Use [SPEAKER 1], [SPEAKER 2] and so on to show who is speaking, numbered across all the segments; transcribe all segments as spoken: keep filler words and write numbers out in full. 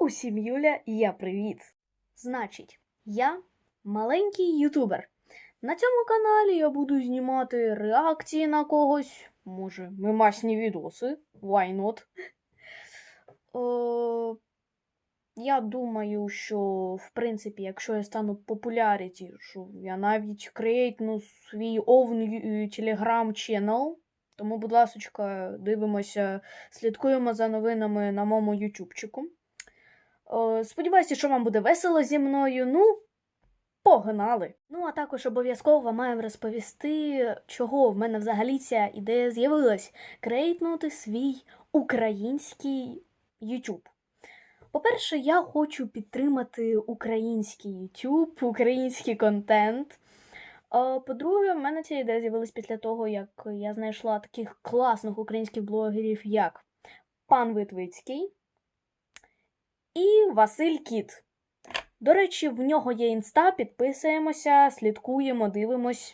[SPEAKER 1] Усім Юля, і я привіт! Значить, я маленький ютубер. На цьому каналі я буду знімати реакції на когось, може, мемасні відоси, why not? Е, я думаю, що, в принципі, якщо я стану популяріті, що я навіть крейтну свій own телеграм-ченел. Тому, будь ласочка, дивимося, слідкуємо за новинами на моєму ютубчику. Сподіваюся, що вам буде весело зі мною. Ну, погнали! Ну, а також обов'язково вам маємо розповісти, чого в мене взагалі ця ідея з'явилась. Крейтнути свій український YouTube. По-перше, я хочу підтримати український YouTube, український контент. По-друге, в мене ця ідея з'явилась після того, як я знайшла таких класних українських блогерів, як пан Витвицький і Василь Кіт. До речі, в нього є інста, підписуємося, слідкуємо, дивимось.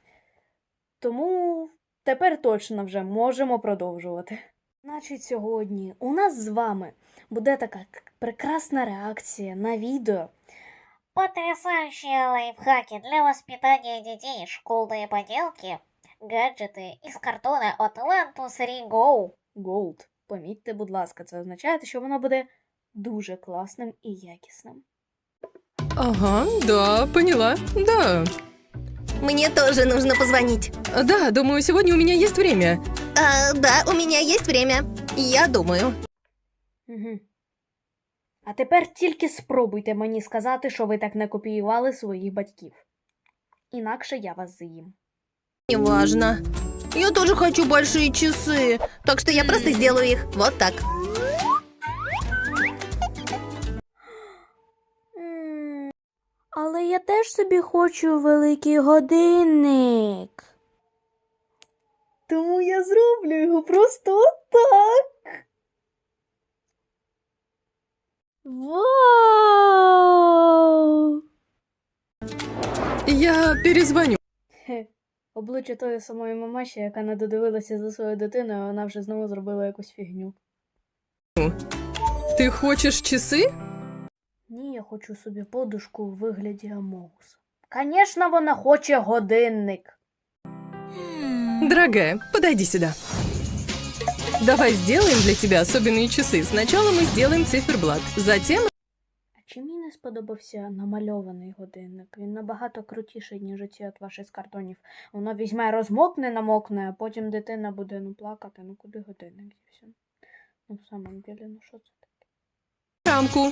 [SPEAKER 1] Тому тепер точно вже можемо продовжувати. Значить, сьогодні у нас з вами буде така прекрасна реакція на відео.
[SPEAKER 2] Потрясающие лайфхаки для воспитания детей, школьные поделки, гаджеты из картона от One two three go.
[SPEAKER 1] Gold. Помітьте, будь ласка, це означає, що воно буде дуже класним і якісним.
[SPEAKER 3] Ага, да, поняла, да.
[SPEAKER 4] Мне тоже нужно позвонить.
[SPEAKER 3] Да, думаю, сегодня у меня есть время.
[SPEAKER 4] А, да, у меня есть время. Я думаю.
[SPEAKER 1] Угу. А тепер тільки спробуйте мені сказати, що ви так не копіювали своїх батьків. Інакше я вас з'їм.
[SPEAKER 4] Неважно. Я тоже хочу большие часы, так что я просто сделаю их вот так.
[SPEAKER 1] Але я теж собі хочу великий годинник. Тому я зроблю його просто так. Вау!
[SPEAKER 3] Я перезвоню.
[SPEAKER 1] Хе, обличчя тої самої мамаші, яка не додивилася за своєю дитиною, а вона вже знову зробила якусь фігню.
[SPEAKER 3] Ты хочешь часы?
[SPEAKER 1] Ні, я хочу собі подушку у вигляді Амогуса. Звісно, вона хоче годинник.
[SPEAKER 3] Дорогая, подойди сюда. Давай сделаем для тебя особенные часы. Сначала мы сделаем циферблат, затем...
[SPEAKER 1] А чи мені не сподобався намальований годинник? Він набагато крутіший, ніж оці от ваші з картонів. Воно візьме, розмокне, намокне, а потім дитина буде ну плакати. Ну куди годинник дівся? Ну в самом деле, ну що це таке?
[SPEAKER 3] Рамку.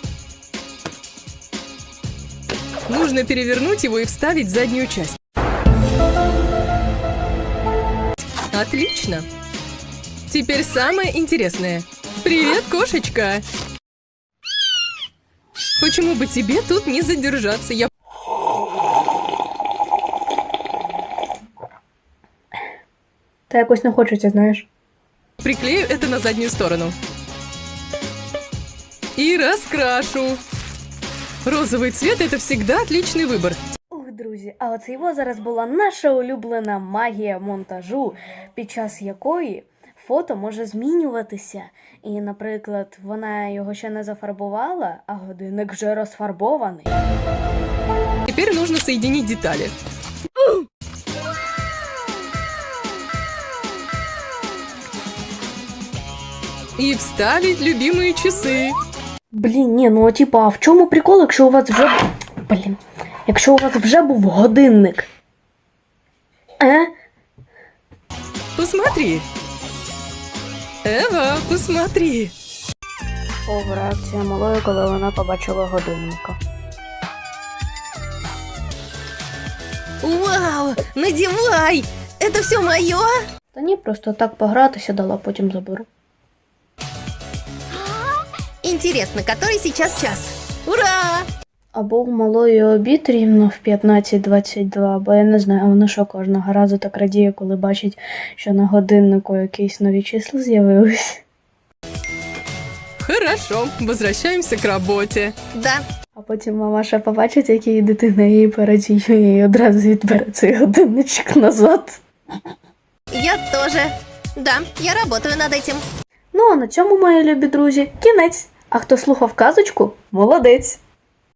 [SPEAKER 3] Нужно перевернуть его и вставить в заднюю часть. Отлично. Теперь самое интересное. Привет, кошечка. Почему бы тебе тут не задержаться? Я...
[SPEAKER 1] Та якось не хочеться, знаєш.
[SPEAKER 3] Приклею это на заднюю сторону. И раскрашу. Розовый цвет – это всегда отличный выбор.
[SPEAKER 1] Ух, друзі, а оце його зараз була наша улюблена магія монтажу, під час якої фото може змінюватися. І, наприклад, вона його ще не зафарбувала, а годинник вже розфарбований.
[SPEAKER 3] Теперь нужно соединить детали. И вставить любимые часы.
[SPEAKER 1] Блін, ні, ну типа, а в чому прикол, якщо у вас вже... Блін, якщо у вас вже був годинник? Е?
[SPEAKER 3] Посмотри. Ева, посмотри.
[SPEAKER 1] О, реакція малої, коли вона побачила годинника.
[SPEAKER 4] Вау, надевай! Это все мое?
[SPEAKER 1] Та ні, просто так погратися дала, потім заберу.
[SPEAKER 4] Интересно, который сейчас час? Ура!
[SPEAKER 1] Або у малої обід рівно в п'ятнадцять двадцять два, бо я не знаю, вона що кожного разу так радіє, коли бачить, що на годиннику якісь нові числа з'явились.
[SPEAKER 3] Хорошо, возвращаемся к работе.
[SPEAKER 4] Да.
[SPEAKER 1] А потім мамаша побачить, як її дитина її порадіє, і одразу відбере цей годинничок назад.
[SPEAKER 4] Я тоже. Да, я работаю над этим.
[SPEAKER 1] Ну а на цьому, мої любі друзі, кінець. А хто слухав казочку, молодець.